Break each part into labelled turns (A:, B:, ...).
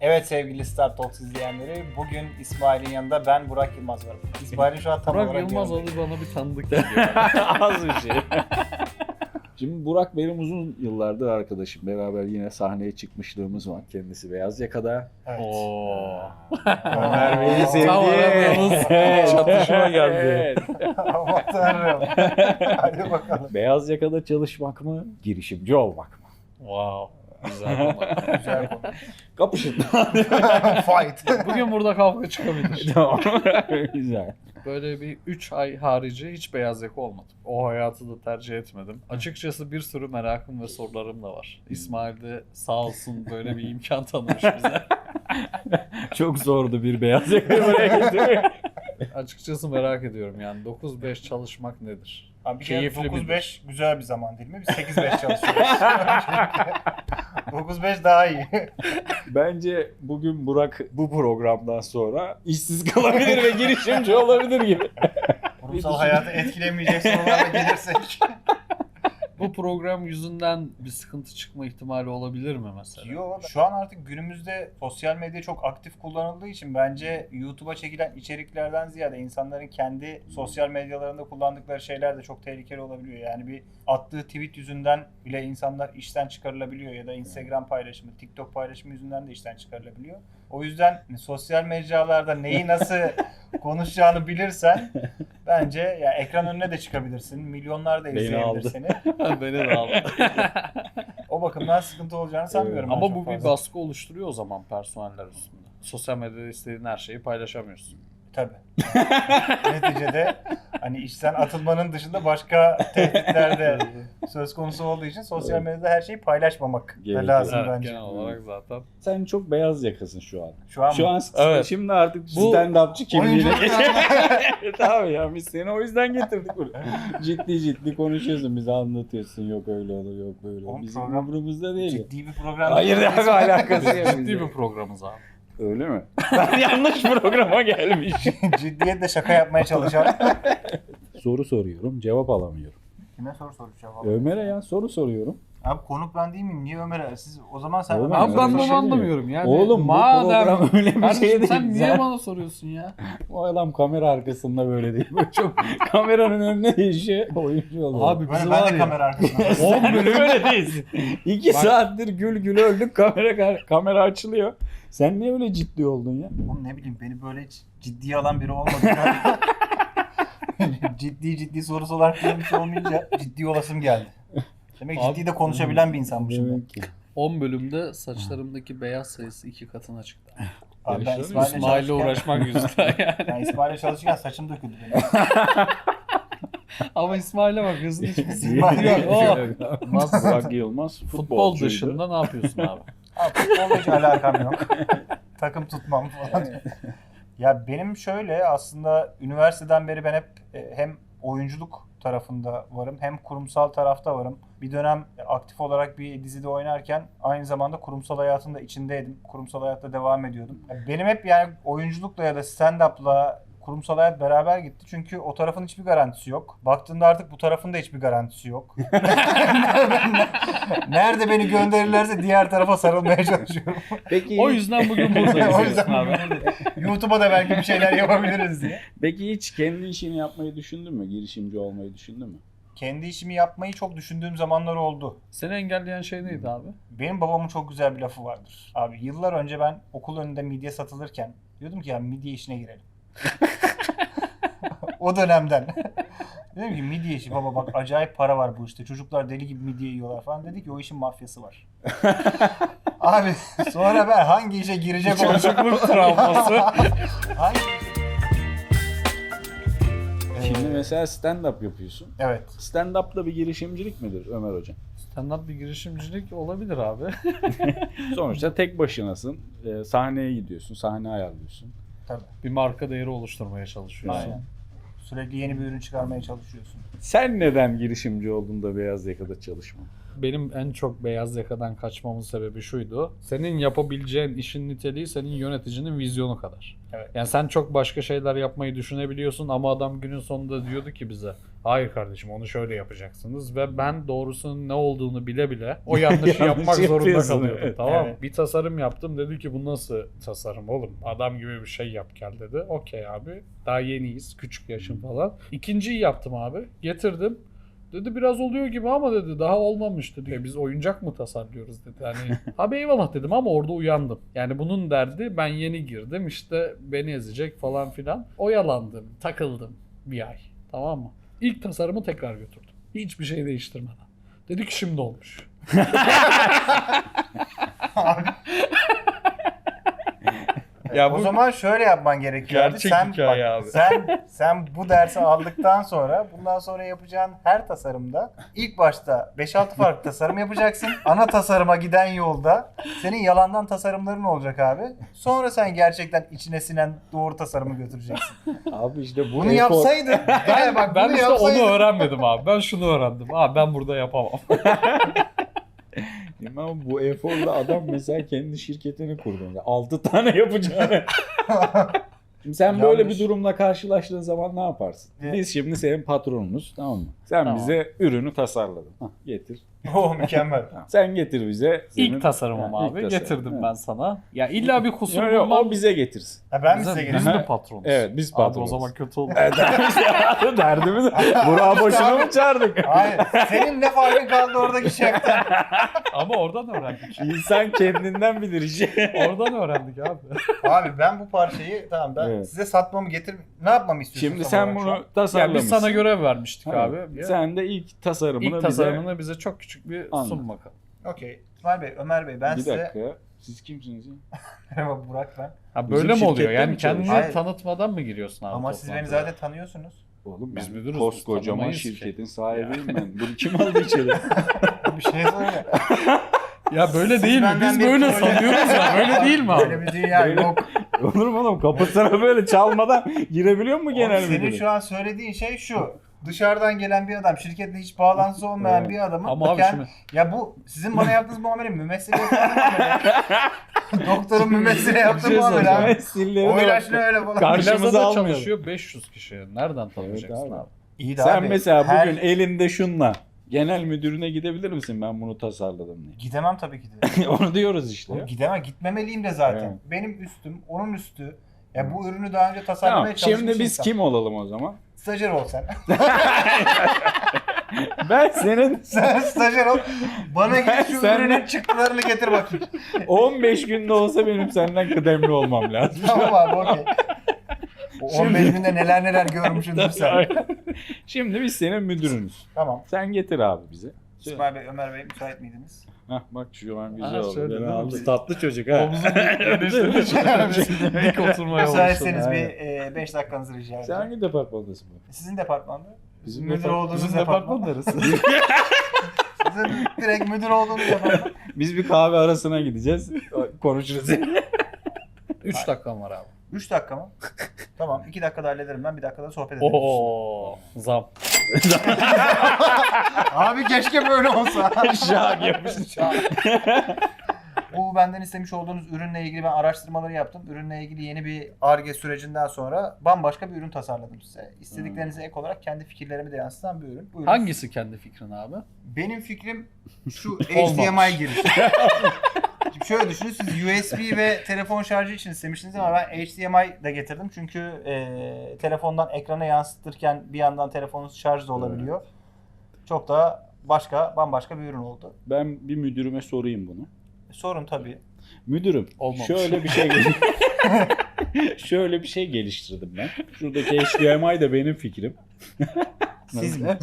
A: Evet sevgili Star Talks izleyenleri, bugün İsmail'in yanında ben Burak Yılmaz varım. İsmail'in şu an tam
B: Burak
A: olarak
B: Yılmaz
A: yanındayım.
B: adı bana bir tanıdık geliyor.
C: Az bir şey. Şimdi Burak benim uzun yıllardır arkadaşım. Beraber yine sahneye çıkmışlığımız var. Kendisi Beyaz Yaka'da.
A: Evet.
B: Oo.
C: Ömer Bey'i sevdi.
B: Tam aramıyoruz. Çatışma geldi.
C: Evet.
A: Aman tanrım. Hadi bakalım.
C: Beyaz Yaka'da çalışmak mı? Girişimci olmak mı?
B: Wow. Güzel konu.
A: Güzel konu.
C: Kapışın.
A: Fight.
B: Bugün burada kavga çıkabilir.
C: Tamam. Güzel.
B: Böyle bir 3 ay harici hiç beyaz yaka olmadım. O hayatı da tercih etmedim. Açıkçası bir sürü merakım ve sorularım da var. İsmail de sağ olsun böyle bir imkan tanımış bize.
C: Çok zordu bir Beyaz Yaka'yı buraya getirmek.
B: Açıkçası merak ediyorum yani 9-5 çalışmak nedir?
A: Abi bir kere
B: Keyifli
A: 9-5 güzel bir zaman değil mi? Biz 8-5 çalışıyoruz. 9-5 daha iyi.
C: Bence bugün Burak bu programdan sonra işsiz kalabilir ve girişimci olabilir gibi.
A: Kurumsal hayatı etkilemeyecek sorularla gelirsek.
B: Bu program yüzünden bir sıkıntı çıkma ihtimali olabilir mi mesela?
A: Yok. Şu an artık günümüzde sosyal medya çok aktif kullanıldığı için bence YouTube'a çekilen içeriklerden ziyade insanların kendi sosyal medyalarında kullandıkları şeyler de çok tehlikeli olabiliyor. Yani bir attığı tweet yüzünden bile insanlar işten çıkarılabiliyor ya da Instagram paylaşımı, TikTok paylaşımı yüzünden de işten çıkarılabiliyor. O yüzden sosyal mecralarda neyi nasıl konuşacağını bilirsen bence ya ekran önüne de çıkabilirsin. Milyonlar da
C: Beni
A: izleyebilir
C: aldı.
A: seni.
B: Beni de aldı.
A: O bakımdan sıkıntı olacağını sanmıyorum. ben
B: Ama
A: çok
B: bu bir
A: fazla.
B: baskı oluşturuyor o zaman personeller üstünde. Sosyal medyada istediğin her şeyi paylaşamıyorsun.
A: Tabii. Neticede hani işten atılmanın dışında başka tehditler de söz konusu olduğu için sosyal medyada her şeyi paylaşmamak da
C: Gerekiyor.
A: lazım
B: Evet,
A: bence.
B: genel olarak zaten.
C: Sen çok beyaz yakasın şu an.
A: Şu an
C: Şu an
B: Evet.
C: şimdi artık
B: Bu
C: stand-upçı kimliğine
A: oyunculuk
C: geçelim. Tamam ya biz seni o yüzden getirdik buraya. Ciddi konuşuyorsun, bize anlatıyorsun. Yok öyle olur, yok böyle olur.
A: Oğlum
C: Bizim
A: program
C: umurumuzda değil.
A: ciddi bir program.
C: Hayır
A: değil.
C: abi alakası yok.
B: Ciddi bir programız abi.
C: Öyle mi? Ben yanlış programa gelmiş.
A: Ciddiyetle şaka yapmaya çalışan.
C: Soru soruyorum, cevap alamıyorum.
A: Kime soru soracağım abi?
C: Ömer'e ya soru soruyorum.
A: Abi konuk ben değil miyim? Niye Ömer'e? Siz o zaman sen
C: Oğlum,
A: Ömer'e
B: Abi ben
C: öyle
B: de
C: bir
B: onu
C: şey
B: anlamıyorum yani.
C: Oğlum bu program öyle bir
B: Kardeşim,
C: şey değil.
B: sen niye bana soruyorsun ya?
C: O adam kamera arkasında böyle değil. Böyle çok kameranın önüne değişiyor. Oyuncu oluyor.
B: Abi
A: Ben,
B: bizi
A: ben
B: var
A: de
B: ya.
A: kamera arkasında.
B: 10 bölüm
C: öyle değilsin. 2
B: Bak-
C: saattir gül öldük, kamera açılıyor. Sen niye öyle ciddi oldun ya?
A: Oğlum ne bileyim beni böyle hiç ciddiye alan biri olmadı. ciddi soru soran bir şey olmayınca ciddi olasım geldi. Demek ki
B: Abi-
A: ciddi de konuşabilen bir insanmışım. ben.
C: Demek ki.
B: 10 bölümde saçlarımdaki beyaz sayısı 2 katına çıktı.
A: Abi ben
C: Yarışıyor
A: İsmail'le
B: İsmail'le
A: çalışırken,
B: uğraşmak yüzünden yani.
A: ben İsmail'le çalışırken saçım döküldü benim.
B: Ama İsmail'e bak hızlı hiçbir
A: İsmail
B: yok. O
C: Burak Yılmaz
B: futbol
C: futbolcuydu.
B: dışında ne yapıyorsun abi?
A: Abi futbolla hiç alakam yok. Takım tutmam falan. Ya benim şöyle aslında üniversiteden beri ben hep hem oyunculuk tarafında varım hem kurumsal tarafta varım. Bir dönem aktif olarak bir dizide oynarken aynı zamanda kurumsal hayatın da içindeydim. Kurumsal hayatta devam ediyordum. Benim hep yani oyunculukla ya da stand-up'la kurumsal hayat beraber gitti. Çünkü o tarafın hiçbir garantisi yok. Baktığında artık bu tarafın da hiçbir garantisi yok. Nerede beni gönderirlerse diğer tarafa sarılmaya çalışıyorum.
C: Peki,
B: O yüzden bugün buradayız.
A: O yüzden
B: abi.
A: YouTube'a da belki bir şeyler yapabiliriz diye.
C: peki hiç kendi işini yapmayı düşündün mü? Girişimci olmayı düşündün mü?
A: Kendi işimi yapmayı çok düşündüğüm zamanlar oldu.
B: Seni engelleyen şey neydi abi?
A: Benim babamın çok güzel bir lafı vardır. Abi yıllar önce ben okul önünde midye satılırken diyordum ki ya midye işine girelim. O dönemden. Dedim ki midye işi baba bak acayip para var bu işte. Çocuklar deli gibi midye yiyorlar falan. Dedi ki o işin mafyası var. Abi sonra ben hangi işe girecek olacak?
B: Çocukluk travması.
A: Hangi
C: Şimdi mesela stand-up yapıyorsun.
A: Evet.
C: Stand-up da bir girişimcilik midir Ömer Hocam?
B: Stand-up bir girişimcilik olabilir abi.
C: Sonuçta tek başınasın. Sahneye gidiyorsun, sahne ayarlıyorsun.
A: Tabii.
B: Bir marka değeri oluşturmaya çalışıyorsun.
A: Aynen. Sürekli yeni bir ürün çıkarmaya çalışıyorsun.
C: Sen neden girişimci oldun da Beyaz Yaka'da çalışma?
B: benim en çok beyaz yakadan kaçmamın sebebi şuydu. Senin yapabileceğin işin niteliği senin yöneticinin vizyonu kadar.
A: Evet.
B: Yani sen çok başka şeyler yapmayı düşünebiliyorsun ama adam günün sonunda diyordu ki bize hayır kardeşim onu şöyle yapacaksınız ve ben doğrusunun ne olduğunu bile bile o yanlışı
C: Yanlış
B: yapmak zorunda
C: yapıyorsun,
B: kalıyordum.
C: evet.
B: Tamam mı?
A: Evet.
B: Bir tasarım yaptım, dedi ki bu nasıl tasarım oğlum? Adam gibi bir şey yap gel dedi. Okey abi, daha yeniyiz, küçük yaşım falan. İkinciyi yaptım abi, getirdim. Dedi biraz oluyor gibi ama dedi daha olmamış dedi. Biz oyuncak mı tasarlıyoruz dedi. Hani abi eyvallah dedim ama orada uyandım. Yani bunun derdi ben yeni girdim işte beni ezecek falan filan. Oyalandım, takıldım bir ay. Tamam mı? İlk tasarımı tekrar götürdüm. Hiçbir şey değiştirmeden. Dedi ki şimdi olmuş.
A: Ya
B: bu
A: o zaman şöyle yapman gerekiyor.
B: gerçek
A: Sen,
B: hikaye abi.
A: Sen bu dersi aldıktan sonra bundan sonra yapacağın her tasarımda ilk başta 5-6 farklı tasarım yapacaksın. Ana tasarıma giden yolda senin yalandan tasarımların olacak abi. Sonra sen gerçekten içine sinen doğru tasarımı götüreceksin.
C: Abi işte
A: Bunu yapsaydın. Bak,
B: Ben
A: bunu
B: işte
A: yapsaydın.
B: onu öğrenmedim abi. Ben şunu öğrendim. Abi ben burada yapamam.
C: Ama bu eforla adam mesela kendi şirketini kurdu. 6 tane yapacağını. Şimdi sen böyle
A: Yanlış.
C: bir durumla karşılaştığın zaman ne yaparsın?
A: Evet.
C: Biz şimdi senin patronunuz, tamam mı? Sen
B: Tamam.
C: bize ürünü tasarladın. Hah, getir.
A: Oh mükemmel.
C: Tamam. Sen getir bize.
B: İlk tasarımım
C: Ha, ilk
B: abi.
C: tasarım.
B: Getirdim
C: Evet.
B: ben sana. Ya illa bir kusur
C: Yok, yok,
B: bulmam.
C: o bize getirsin.
A: Ha, ben mi
B: Biz
A: size
B: mi
A: geleyim?
B: patronuz?
C: Evet, biz
B: Abi o
C: patronuz.
B: zaman kötü oldu.
C: Derdimiz Burak'ı boşuna mı çağırdık?
A: Hayır. Senin ne farkın kaldı oradaki şeften?
B: Ama oradan öğrendik.
C: İnsan kendinden bilir işi.
B: Oradan öğrendik abi.
A: Abi ben bu parçayı tamam ben
C: Evet.
A: size satmamı ne yapmamı istiyorsun?
C: Şimdi
A: tam
C: sen
A: olarak şu an?
C: bunu tasarlamışsın.
B: Ya biz sana görev vermiştik
C: Tamam.
B: abi. Ya,
C: Sen de ilk tasarımını
B: İlk tasarımını bize çok küçük bir
C: Anladım.
B: sun bakalım.
A: Okey. İsmail Bey, Ömer Bey ben
C: Bir
A: size...
C: dakika. Siz kimsiniz ya?
A: Merhaba Burak ben.
B: Ha
C: Bizim
B: böyle mi oluyor?
C: şirkette
B: Yani
C: mi
B: kendini
A: çalışıyorsun?
B: tanıtmadan mı giriyorsun abi?
A: Ama siz beni
B: toplantıya?
A: zaten tanıyorsunuz.
C: Oğlum
B: Biz
C: ben
B: müdürüz, biz
C: koskocaman
B: tanımayız
C: şirketin
B: ki.
C: sahibiyim ben. Bunu kim aldı içeri?
A: Bir şey söyle.
B: Ya böyle
A: Siz
B: değil mi?
A: benden
B: Biz
A: bir
B: böyle
A: proje-
B: sanıyoruz ya. Böyle değil mi
A: Böyle
B: abi?
A: bir dünya
C: Böyle-
A: yok.
C: Olur mu oğlum? Kapısına böyle çalmadan girebiliyor mu genel
A: Oğlum, senin
C: müdürü?
A: şu an söylediğin şey şu. Dışarıdan gelen bir adam, şirketle hiç bağlantısı olmayan
C: Evet.
A: bir adamın...
B: Ama abi şimdi
A: Ya bu sizin bana yaptığınız muamele mümessile yaptığınız muamele. Doktorun mümessile yaptığı
B: şey
A: muamele
B: soracağım.
A: abi.
C: Silleri
A: O
C: de
A: ilaçla
C: bak.
A: öyle falan.
C: Karşımıza
B: Plaza'da
C: almayalım.
B: çalışıyor 500 kişi. Nereden tanıyacaksın
C: abi.
B: abi?
A: İyi de
C: Sen
A: abi,
C: mesela
A: her-
C: bugün elinde şunla genel müdürüne gidebilir misin ben bunu tasarladım diye?
A: Gidemem tabii ki de.
C: Onu diyoruz işte.
A: Oğlum gidemem, gitmemeliyim de zaten.
C: Evet.
A: Benim üstüm, onun üstü. Ya bu ürünü daha önce
C: Tamam,
A: tasarlamaya çalışmış
C: şimdi biz
A: insan.
C: kim olalım o zaman?
A: Stajyer ol sen.
C: Ben senin
A: Sen stajyer ol. Bana git şu
C: Sen-
A: ürünün çıktılarını getir bakayım.
C: 15 günde olsa benim senden kıdemli olmam lazım.
A: Tamam abi okey. O 15 günde neler neler görmüşsündür sen.
C: Şimdi biz senin müdürünüz.
A: Tamam.
C: Sen getir abi bize.
A: İsmail Bey, Ömer Bey müsait miydiniz?
C: Hah bak şu an güzel
B: Ha,
C: oldu.
B: şöyle
C: Beni
B: değil mi?
C: aldı. Tatlı çocuk ha.
B: Omuzun enişte dik oturmaya
A: Müsaitseniz
C: başladı.
A: bir 5 dakikanızı rica
C: Sen
A: edeceğim.
C: hangi departmandasın bu?
A: Sizin departmanda.
C: Bizim
A: Müdür
C: depart-
A: olduğunuz
B: Bizim
A: departman.
B: departman neresi?
A: Sizin direkt müdür olduğunuz departman.
C: Biz bir kahve arasına gideceğiz. Konuşuruz.
B: 3 dakikam var abi.
A: 3 dakika mı? Tamam 2 dakikada hallederim ben, 1 dakikada sohbet ederiz.
B: Oo, zam.
A: Abi keşke böyle olsa.
C: Şak yapmıştı.
A: Bu benden istemiş olduğunuz ürünle ilgili ben araştırmaları yaptım. Ürünle ilgili yeni bir Ar-Ge sürecinden sonra bambaşka bir ürün tasarladım size. İstediklerinize ek olarak kendi fikirlerimi de yansıtan bir ürün. Buyurun.
B: Hangisi kendi fikrin abi?
A: Benim fikrim şu
B: Olmamış.
A: HDMI girişi. Şimdi şöyle düşünün, siz USB ve telefon şarjı için istemiştiniz ama ben HDMI de getirdim. Çünkü telefondan ekrana yansıtırken bir yandan telefonunuz şarj da olabiliyor. Çok da bambaşka bir ürün oldu.
C: Ben bir müdürüme sorayım bunu.
A: Sorun tabii.
C: Müdürüm,
B: Olmamış.
C: şöyle bir şey şöyle bir şey geliştirdim ben. Şuradaki HDMI de benim fikrim.
A: Siz mi?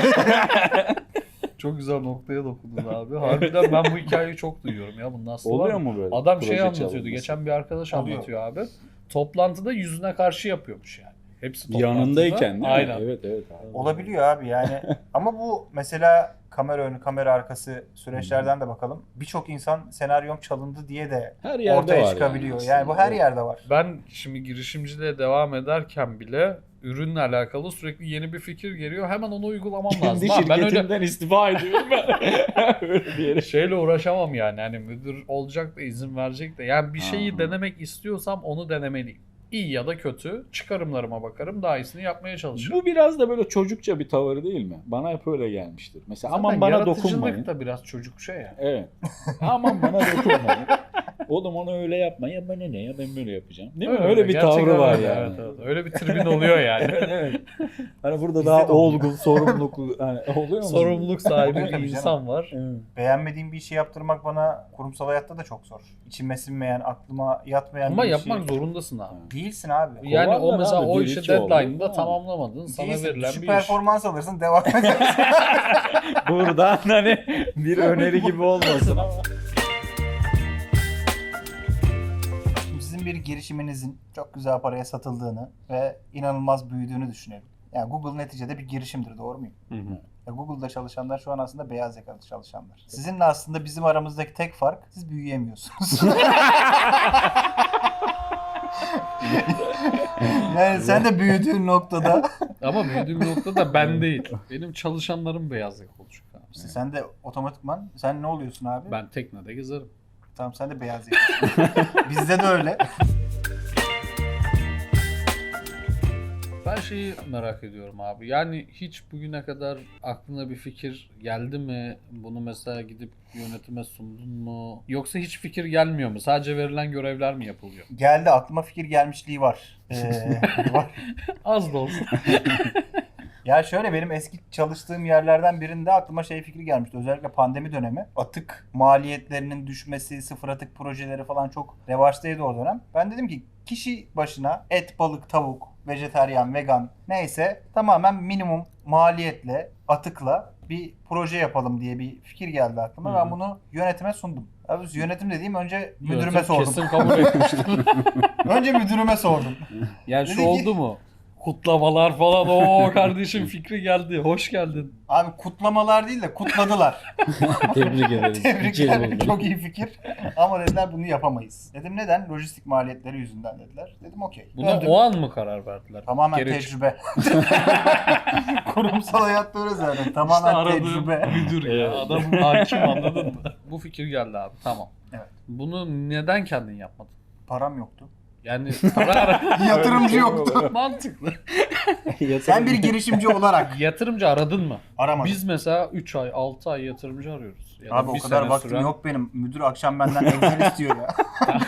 B: Çok güzel noktaya dokundun abi. Harbiden ben bu hikayeyi çok duyuyorum ya. Bunun aslı var
C: Oluyor
B: mı?
C: mu böyle?
B: Adam
C: proje
B: şey anlatıyordu.
C: çalınması?
B: Geçen bir arkadaş
A: Oluyor.
B: anlatıyor abi. Toplantıda yüzüne karşı yapıyormuş yani. Hepsi toplantıda.
C: Yanındayken değil mi?
B: Aynen.
C: Evet evet. Abi.
A: Olabiliyor abi yani. Ama bu mesela kamera önü, kamera arkası süreçlerden de bakalım. Birçok insan senaryom çalındı diye de
C: Her yerde
A: ortaya
C: var
A: çıkabiliyor.
C: yani
A: Yani bu her
C: aslında.
A: yerde var.
B: Ben şimdi girişimciliğe devam ederken bile ürünle alakalı sürekli yeni bir fikir geliyor. Hemen onu uygulamam lazım.
C: Kendi
B: Abi ben öyle
C: şirketimden istifa ediyorum ben. Öyle diyerek.
B: şeyle uğraşamam yani. Hani müdür olacak da izin verecek de. Yani bir şeyi
C: Aha.
B: denemek istiyorsam onu denemeliyim. İyi ya da kötü çıkarımlarıma bakarım. Daha iyisini yapmaya çalışırım.
C: Bu biraz da böyle çocukça bir tavır değil mi? Bana hep öyle gelmiştir. Mesela
B: Zaten
C: aman bana
B: yaratıcılık
C: dokunmayın.
B: da biraz çocukça ya.
C: Evet. Aman bana dokunmayın. Oğlum onu öyle yapma. Ya bana ne ya ben böyle yapacağım. Değil mi? Öyle bir
B: Gerçekten
C: tavrı var
B: öyle,
C: yani.
B: Evet, evet. Öyle bir tribün oluyor yani.
C: Evet. Hani burada
A: Bizde
C: daha
A: de oluyor.
C: olgun, sorumluluk hani oluyor mu?
B: Sorumluluk sahibi
A: Tabii
B: bir
A: canım.
B: insan var.
C: Evet.
A: Beğenmediğim bir işi yaptırmak bana kurumsal hayatta da çok zor. İçime sinmeyen, aklıma yatmayan
B: Ama
A: bir
B: yapmak
A: işi...
B: zorundasın abi.
A: Değilsin abi.
B: Yani o
C: Kovarlar
B: mesela
C: abi,
B: o
C: bir
B: işi
C: iki oldu.
B: deadline'da
C: Ha.
B: tamamlamadın. Sana
A: Değilsin.
B: verilen
A: Şu
B: bir iş.
A: performans alırsın, devam edersin.
C: Buradan hani bir öneri gibi olmasın ama.
A: Şimdi sizin bir girişiminizin çok güzel paraya satıldığını ve inanılmaz büyüdüğünü düşünelim. Yani Google neticede bir girişimdir, doğru muyum? Ya Google'da çalışanlar şu an aslında beyaz yakalı çalışanlar. Sizinle aslında bizim aramızdaki tek fark, siz büyüyemiyorsunuz. Yani sen de büyüdüğün noktada
B: Ama büyüdüğüm noktada ben değil. Benim çalışanlarım beyaz yakalı olacak abi.
A: işte sen de otomatikman sen ne oluyorsun abi?
B: Ben teknede gezerim.
A: Tamam, sen de beyaz yakalısın. Bizde de öyle.
B: Ben şeyi merak ediyorum abi. Yani hiç bugüne kadar aklına bir fikir geldi mi? Bunu mesela gidip yönetime sundun mu? Yoksa hiç fikir gelmiyor mu? Sadece verilen görevler mi yapılıyor?
A: Geldi, aklıma fikir gelmişliği var. Var.
B: Az da olsa.
A: Ya şöyle, benim eski çalıştığım yerlerden birinde aklıma şey fikri gelmişti. Özellikle pandemi dönemi. Atık maliyetlerinin düşmesi, sıfır atık projeleri falan çok revaçtaydı o dönem. Ben dedim ki kişi başına et, balık, tavuk, vejetaryen, vegan neyse tamamen minimum maliyetle, atıkla bir proje yapalım diye bir fikir geldi aklıma.
B: Hı.
A: Ben bunu yönetime sundum. Abi yönetim dediğim önce müdürüme
B: Yönetim
A: sordum.
B: Kesin kabul etmiştir.
A: Önce müdürüme sordum.
B: Yani şu
A: Dedi ki-
B: oldu mu? Kutlamalar falan. Oo kardeşim fikri geldi. Hoş geldin.
A: Abi kutlamalar değil de kutladılar.
C: Tebrik ederiz.
A: Tebrikler. Çok iyi fikir. Ama dediler bunu yapamayız. Dedim neden? Lojistik maliyetleri yüzünden dediler. Dedim okey.
B: Buna
A: Döndüm.
B: o an mı karar verdiler?
A: Tamamen
B: Geri
A: tecrübe. Kurumsal hayatta öyle zaten.
B: İşte
A: Tamamen
B: aradığım
A: tecrübe.
B: müdür ya.
C: Evet.
B: Adam hakim, anladın mı? Bu fikir geldi abi. Tamam.
A: Evet.
B: Bunu neden kendin yapmadın?
A: Param yoktu.
B: Yani para
A: Yatırımcı yoktu.
B: mantıklı.
A: Sen bir girişimci olarak
B: Yatırımcı aradın mı?
A: aramadın.
B: Biz mesela 3 ay, 6 ay yatırımcı arıyoruz. Ya da
A: Abi o
B: bir
A: kadar
B: sene
A: vaktim
B: süren-
A: yok benim. Müdür akşam benden Excel istiyor ya.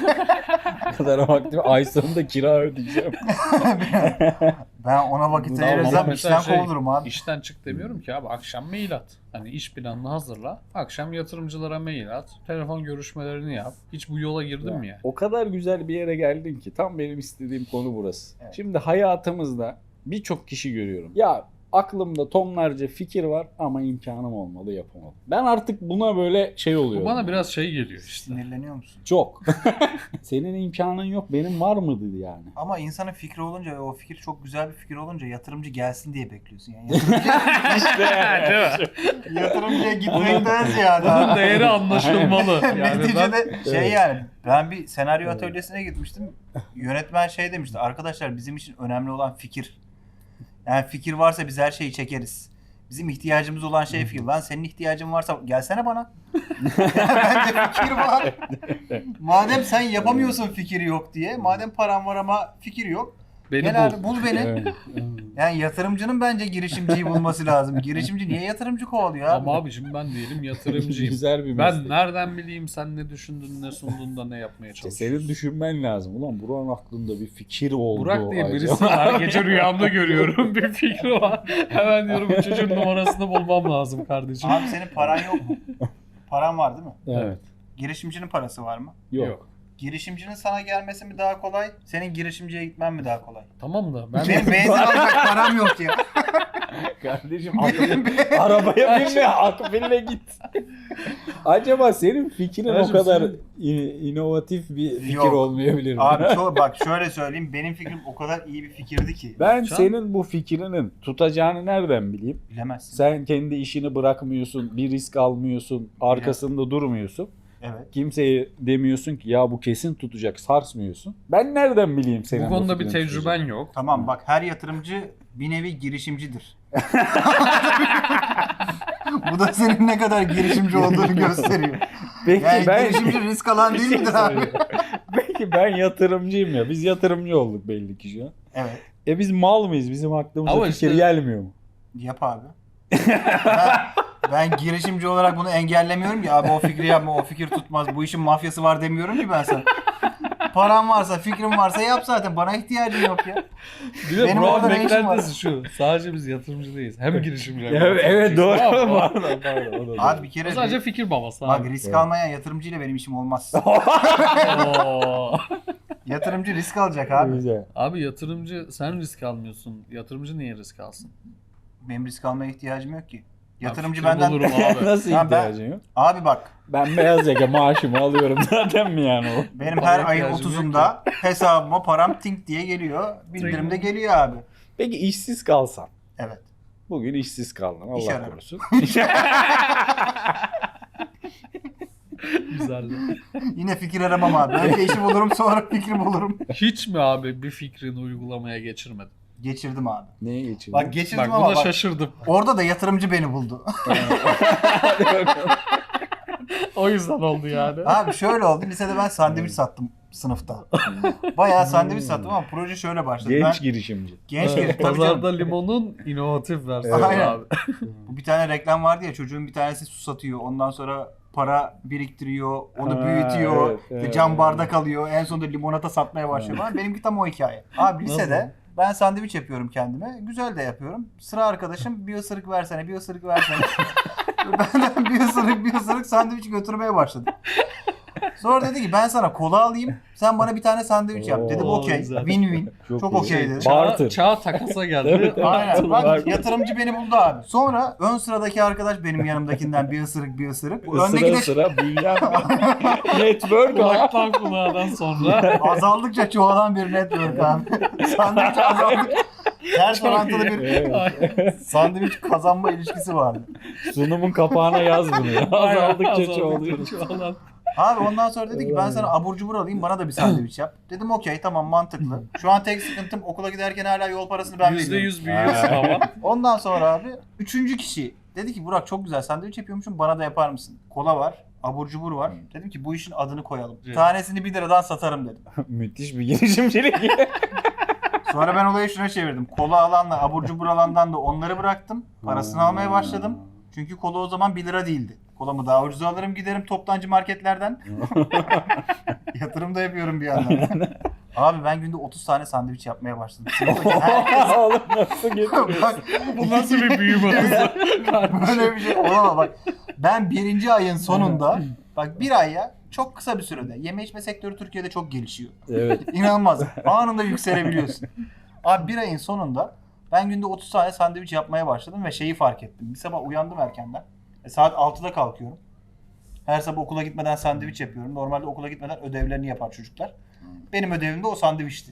C: O kadar vaktim ay sonunda kira ödeyeceğim.
A: Ben ona vakit
C: Tamam,
A: ayırırsam
B: ama mesela
A: işten kovulurum abi.
B: İşten çık demiyorum ki abi, akşam mail at. Hani iş planını hazırla. Akşam yatırımcılara mail at. Telefon görüşmelerini yap. Hiç bu yola girdin mi ya?
C: O kadar güzel bir yere geldin ki tam benim istediğim konu burası.
A: Evet.
C: Şimdi hayatımızda birçok kişi görüyorum. Ya aklımda tonlarca fikir var ama imkanım olmalı yapamadım. Ben artık buna böyle şey
B: Bu
C: oluyorum.
B: bana biraz şey geliyor işte.
A: Sinirleniyor musun?
C: Çok. Senin imkanın yok benim var mıydı yani?
A: Ama insanın fikri olunca ve o fikir çok güzel bir fikir olunca yatırımcı gelsin diye bekliyorsun yani. Yatırımcı,
B: Değil mi?
A: yatırımcıya gitmekten ziyade.
B: Bunun değeri anlaşılmalı. Yani ben
A: Neticede şey
C: Evet.
A: yani ben bir senaryo
C: Evet.
A: atölyesine gitmiştim. Yönetmen şey demişti. Arkadaşlar bizim için önemli olan fikir. Yani fikir varsa biz her şeyi çekeriz. Bizim ihtiyacımız olan şey fikir. Lan senin ihtiyacın varsa gelsene bana. Bence fikir var. Madem sen yapamıyorsun fikir yok diye. Madem paran var ama fikir yok.
B: beni
A: Gel
B: bul.
A: abi bul beni.
C: Evet.
A: Yani yatırımcının bence girişimciyi bulması lazım. Girişimci niye yatırımcı kovalıyor abi?
B: Ama abi şimdi ben diyelim yatırımcıyım.
C: Güzel bir
B: Ben
C: meslek.
B: nereden bileyim sen ne düşündün, ne sundun da ne yapmaya
C: İşte
B: çalışıyorsun?
C: senin düşünmen lazım. Ulan Burak'ın aklında bir fikir oldu.
B: Burak diye birisi
C: acaba.
B: var. Gece rüyamda görüyorum. Bir fikri var. Hemen diyorum bu çocuğun numarasını bulmam lazım kardeşim.
A: Abi senin paran yok mu? Paran var değil mi?
C: Evet.
A: Girişimcinin parası var mı?
C: Yok.
A: Girişimcinin sana gelmesi mi daha kolay? Senin girişimciye gitmen mi daha kolay?
B: Tamam da ben
A: Benim benzin alacak param yok ya.
C: Kardeşim arabaya binme, akbille git. Acaba senin fikrin
B: Kardeşim,
C: o kadar
B: senin-
C: inovatif bir fikir
A: Yok.
C: olmayabilir mi?
A: Abi bak şöyle söyleyeyim. Benim fikrim o kadar iyi bir fikirdi ki.
C: Ben
B: Can-
C: senin bu fikrinin tutacağını nereden bileyim?
A: Bilemezsin.
C: Sen kendi işini bırakmıyorsun, bir risk almıyorsun, arkasında durmuyorsun.
A: Evet.
C: Kimseye demiyorsun ki ya bu kesin tutacak, sarsmıyorsun. Ben nereden bileyim senin
B: Bu konuda bir
C: fikrin
B: tecrüben
C: tutacak?
B: yok.
A: Tamam bak, her yatırımcı bir nevi girişimcidir. Bu da senin ne kadar girişimci olduğunu gösteriyor.
C: Peki
A: Yani
C: ben
A: girişimci risk alan değil midir abi?
C: Peki ben yatırımcıyım ya. Biz yatırımcı olduk belli ki şu an.
A: Evet.
C: Biz mal mıyız? Bizim aklımıza
B: Ama
C: fikir
B: işte-
C: gelmiyor mu?
A: Yap abi. Ben girişimci olarak bunu engellemiyorum ki abi o fikri yapma, o fikir tutmaz, bu işin mafyası var demiyorum ki ben sana. Paran varsa, fikrin varsa yap zaten. Bana ihtiyacın yok ya.
B: Bir de
A: Benim
B: Burak'ın
A: orada ne işim
B: beklentisi şu. Sadece biz yatırımcı değiliz. Hem girişimci hem
C: Evet doğru.
B: Tamam mı?
C: Pardon. O da
A: Abi bir kere
B: O sadece fikir babası
A: bak
B: abi.
A: risk
C: Evet.
A: almayan yatırımcıyla benim işim olmaz.
B: Oo.
A: Yatırımcı risk alacak abi.
C: Güzel.
B: Abi yatırımcı sen risk almıyorsun. Yatırımcı niye risk alsın?
A: Benim risk almaya ihtiyacım yok ki. Yatırımcı
B: fikri
A: benden...
B: bulurum abi.
C: Nasıl
A: Tamam,
C: ihtiyacın yok?
A: Abi bak,
C: Ben beyaz yaka maaşımı alıyorum zaten mi yani o?
A: benim
B: Bana
A: her ayın
B: ihtiyacım yok
A: 30'unda hesabıma param tink diye geliyor. Bildirimde geliyor abi.
C: Peki işsiz kalsan?
A: Evet.
C: Bugün işsiz kaldın
A: İş
C: Allah
A: ararım.
C: korusun.
B: Güzel.
A: Yine fikir aramam abi. Önce işi bulurum, sonra fikri bulurum.
B: Hiç mi abi bir fikrini uygulamaya geçirmedin?
A: Geçirdim abi.
C: Neye geçirdin?
A: Bak geçirdim
B: Bak
A: ama
B: buna
A: bak,
B: şaşırdım.
A: orada da yatırımcı beni buldu.
B: O yüzden oldu yani.
A: Abi şöyle oldu. Lisede ben sandviç sattım sınıfta. Bayağı sandviç sattım ama proje şöyle başladı.
C: Genç
A: Ben
C: girişimci.
A: genç
B: Evet,
A: girişim. Tabii
B: Pazarda
A: canım.
B: limonun inovatif versiyonu
A: Aynen.
B: abi.
A: Bu bir tane reklam vardı ya, çocuğun bir tanesi su satıyor. Ondan sonra para biriktiriyor, onu
C: Ha,
A: büyütüyor,
C: evet,
A: işte
C: evet,
A: cam
C: evet.
A: bardak alıyor, en sonunda limonata satmaya başlıyor falan. Benimki tam o hikaye. Abi lisede
B: Nasıl?
A: ben sandviç yapıyorum kendime. Güzel de yapıyorum. Sıra arkadaşım bir ısırık versene, bir ısırık versene. Benden bir ısırık sandviç götürmeye başladı. Sonra dedi ki ben sana kola alayım, sen bana bir tane sandviç yap. Dedim
B: Oo,
A: okey,
B: güzel.
A: win-win. Çok
C: iyi.
A: okey dedi.
C: Barter.
B: Çağ takasa geldi.
C: Evet, evet.
A: Aynen. Bak
C: Barter.
A: yatırımcı beni buldu abi. Sonra ön sıradaki arkadaş benim yanımdakinden bir ısırık. Bu öndeki
C: Sıra
A: de
C: sıra büyüyen network abi.
B: Kulaktan kulağdan sonra.
A: azaldıkça çoğalan bir network abi. Sandviç azaldıkça. Her orantılı bir
C: Evet.
A: sandviç kazanma ilişkisi vardı.
C: Sunumun kapağına yaz bunu ya. Azaldıkça çoğalıyor.
B: çoğalan.
A: Abi ondan sonra dedi ki ben sana abur cubur alayım, bana da bir sandviç yap. Dedim okey, tamam, mantıklı. Şu an tek sıkıntım okula giderken hala yol parasını ben veriyorum.
B: %100 büyüyorsun ama.
A: Ondan sonra abi 3. kişi dedi ki Burak çok güzel sandviç yapıyormuşsun, bana da yapar mısın? Kola var, abur cubur var. Dedim ki bu işin adını koyalım.
B: Evet.
A: Tanesini 1 liradan satarım dedim.
C: Müthiş bir girişimcilik.
A: Sonra ben olayı şuna çevirdim. Kola alanla abur cubur alandan da onları bıraktım. Parasını almaya başladım. Çünkü kola o zaman 1 lira değildi. Kolamı daha ucuza alırım, giderim toptancı marketlerden. Yatırım da yapıyorum bir yandan. Abi ben günde 30 tane sandviç yapmaya başladım. Sınıftaki herkes...
C: Oğlum nasıl getiriyorsun?
A: Bak,
B: Bu nasıl bir büyüme hızı?
A: böyle bir şey olamaz bak. Ben 1. ayın sonunda, bak 1 ay ya, çok kısa bir sürede. Yeme içme sektörü Türkiye'de çok gelişiyor.
C: Evet.
A: İnanılmaz. Anında yükselebiliyorsun. Abi 1 ayın sonunda ben günde 30 tane sandviç yapmaya başladım ve şeyi fark ettim. Bir sabah uyandım erkenden. Saat 6'da kalkıyorum. Her sabah okula gitmeden sandviç yapıyorum. Normalde okula gitmeden ödevlerini yapar çocuklar. Benim ödevim de o sandviçti.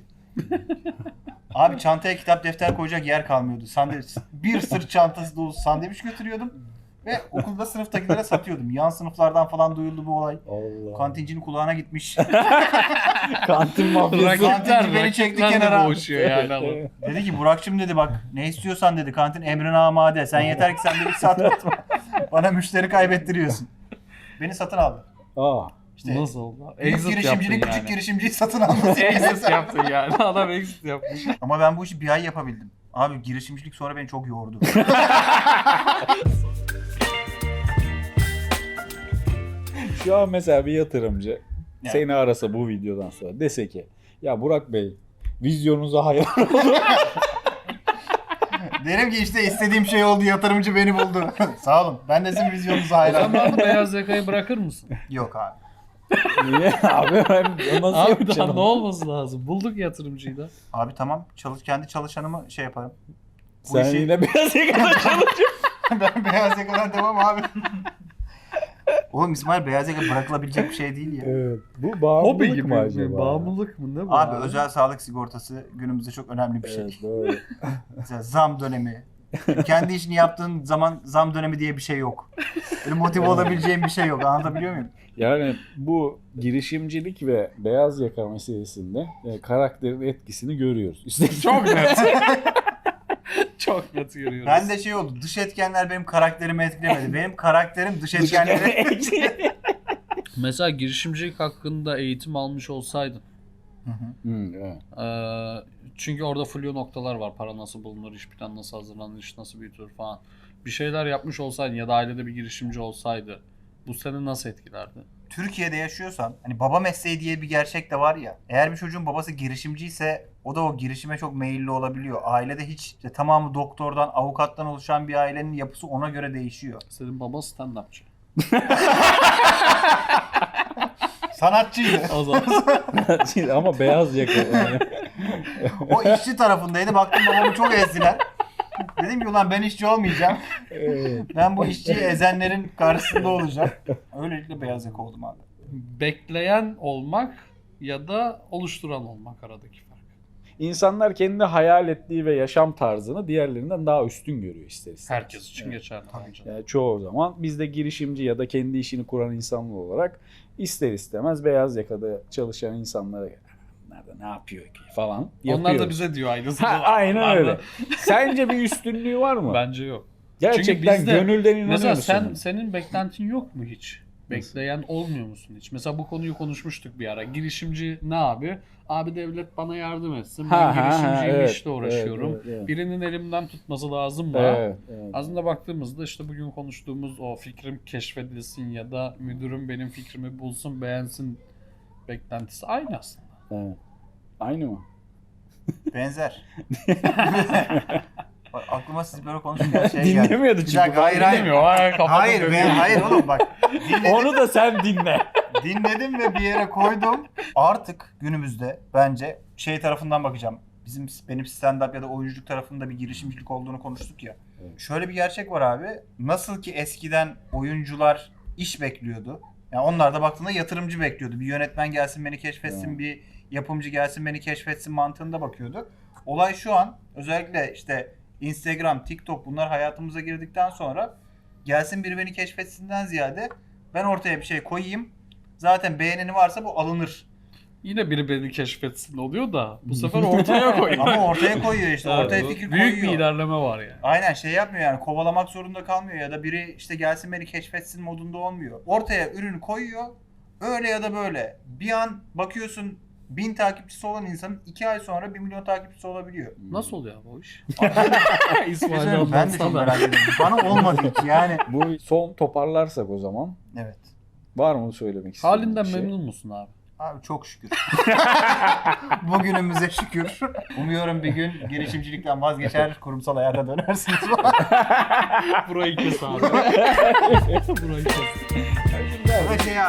A: Abi çantaya kitap defter koyacak yer kalmıyordu. Sandviç. Bir sırt çantası dolusu sandviç götürüyordum. Ve okulda sınıftakilere satıyordum. Yan sınıflardan falan duyuldu bu olay.
C: Allah.
A: Kantincinin kulağına gitmiş.
C: Kantin mafyası.
A: Kantinci beni çekti kenara.
B: boğuşuyor yani ama.
A: Dedi ki Burak'cığım dedi bak ne istiyorsan dedi, kantin emrine amade. Sen yeter ki sandviç satma. Bana müşteri kaybettiriyorsun. Beni satın aldı.
C: Aa.
A: İşte
B: Nasıl oldu?
A: büyük
B: Exit
A: girişimcilik
B: yaptın
A: küçük
B: yani.
A: girişimciyi satın alması.
B: Exit yaptın yani. Adam exit yapmış.
A: Ama ben bu işi bir ay yapabildim. Abi girişimcilik sonra beni çok yordu.
C: Şu an mesela bir yatırımcı
A: Evet.
C: seni arasa bu videodan sonra dese ki ya Burak Bey vizyonunuza hayal
A: Derim ki işte istediğim şey oldu, yatırımcı beni buldu. Sağ olun. Ben de sizin vizyonunuza
B: O zaman
A: hayranım.
B: beyaz yakayı bırakır mısın?
A: Yok abi.
C: Niye abi ben nasıl
B: Abi daha
C: yapacağım?
B: ne olması lazım? Bulduk yatırımcıyı da.
A: Abi tamam, kendi çalışanımı şey yaparım. Bu
C: Sen
A: işi-
C: yine beyaz yakada çalışıyorsun.
A: Ben beyaz yakadan devam abi. Oğlum İsmail, beyaz yaka bırakılabilecek bir şey değil ya.
C: Evet. Bu
B: Hobi
C: bağımlılık
B: gibi
C: mı
B: mi?
C: acaba?
B: Bağımlılık mı? Ne bu?
A: Abi özel sağlık sigortası günümüzde çok önemli bir şey.
C: Evet doğru.
A: Mesela zam dönemi, Kendi işini yaptığın zaman zam dönemi diye bir şey yok. Böyle motive olabileceğin bir şey yok. Anlatabiliyor muyum?
C: Yani bu girişimcilik ve beyaz yaka meselesinde karakterin etkisini görüyoruz. İşte
B: Çok net. Çok net görüyoruz.
A: Ben de şey oldu. Dış etkenler benim karakterimi etkilemedi. Benim karakterim dış etkenleri.
B: Mesela girişimcilik hakkında eğitim almış olsaydın.
C: Evet.
B: Çünkü orada flu noktalar var. Para nasıl bulunur, iş plan nasıl hazırlanır, iş nasıl büyütülür falan. Bir şeyler yapmış olsaydın ya da ailede bir girişimci olsaydı bu seni nasıl etkilerdi?
A: Türkiye'de yaşıyorsan hani baba mesleği diye bir gerçek de var ya. Eğer bir çocuğun babası girişimciyse o da o girişime çok meyilli olabiliyor. Ailede hiç işte tamamı doktordan, avukattan oluşan bir ailenin yapısı ona göre değişiyor.
B: Senin baban stand-upçı.
A: Sanatçıydı.
B: O zaman
C: Ama beyaz yaka. Yani.
A: O işçi tarafındaydı. Baktım babamı çok ezdiler. Dedim ki ulan ben işçi olmayacağım. Ben bu işçiyi ezenlerin karşısında olacağım. Öylelikle beyaz yaka oldum abi.
B: bekleyen olmak ya da oluşturan olmak aradaki fark.
C: İnsanlar kendi hayal ettiği ve yaşam tarzını diğerlerinden daha üstün görüyor ister istemez.
B: Herkes için geçerli bence.
C: Yani çoğu zaman biz de girişimci ya da kendi işini kuran insanlar olarak ister istemez beyaz yakada çalışan insanlara nerede ne yapıyor ki falan yapıyoruz.
B: Onlar da bize diyor aynısını.
C: Aynen öyle. Sence bir üstünlüğü var mı?
B: Bence yok.
C: Gerçekten
B: bizde-
C: gönülden inanıyor
B: Mesela
C: musun?
B: senin beklentin yok mu hiç? Bekleyen olmuyor musun hiç? Mesela bu konuyu konuşmuştuk bir ara. Girişimci ne abi? Abi devlet bana yardım etsin. Ben girişimciyim,
C: evet,
B: işle uğraşıyorum.
C: evet, evet.
B: Birinin elimden tutması lazım mı?
C: Evet, evet.
B: Aslında baktığımızda işte bugün konuştuğumuz o fikrim keşfedilsin ya da müdürüm benim fikrimi bulsun, beğensin beklentisi aynı aslında.
C: Evet. Aynı mı?
A: Benzer. Bak, aklıma siz böyle konuşurken şey geldi.
C: Dinlemiyordu
A: Bir
C: çünkü.
A: dakika, hayır hayır.
B: Dinlemiyor. Kapatıp
A: Hayır
B: dönüyor.
A: hayır oğlum bak. Dinledim,
C: Onu da sen dinle.
A: dinledim ve bir yere koydum. Artık günümüzde bence şey tarafından bakacağım. Benim stand-up ya da oyunculuk tarafında bir girişimcilik olduğunu konuştuk ya.
C: Evet.
A: Şöyle bir gerçek var abi. Nasıl ki eskiden oyuncular iş bekliyordu. Yani onlar da baktığında yatırımcı bekliyordu. Bir yönetmen gelsin beni keşfetsin,
C: Evet.
A: bir yapımcı gelsin beni keşfetsin mantığında bakıyordu. Olay şu an özellikle işte Instagram, TikTok bunlar hayatımıza girdikten sonra gelsin biri beni keşfetsinden ziyade ben ortaya bir şey koyayım. Zaten beğeneni varsa bu alınır.
B: Yine biri beni keşfetsin oluyor da bu sefer ortaya koyuyor.
A: Ama ortaya koyuyor işte.
B: Evet,
A: Ortaya
B: bu
A: fikir
B: büyük
A: koyuyor.
B: bir ilerleme var yani.
A: Aynen şey yapmıyor yani kovalamak zorunda kalmıyor ya da biri işte gelsin beni keşfetsin modunda olmuyor. Ortaya ürünü koyuyor öyle ya da böyle. Bir an bakıyorsun 1000 takipçisi olan insanın 2 ay sonra 1 milyon takipçisi olabiliyor.
B: Nasıl oluyor bu iş?
A: Güzel, ben de çok merak ediyorum. Bana olmadı hiç yani.
C: Bu son toparlarsak o zaman.
A: Evet.
C: Var mı söylemek istediğin
B: Halinden
C: bir şey?
B: memnun musun abi?
A: Abi çok şükür. Bugünümüze şükür. Umuyorum bir gün girişimcilikten vazgeçer, kurumsal hayata dönersiniz.
B: Burayı kes abi. Burayı kes.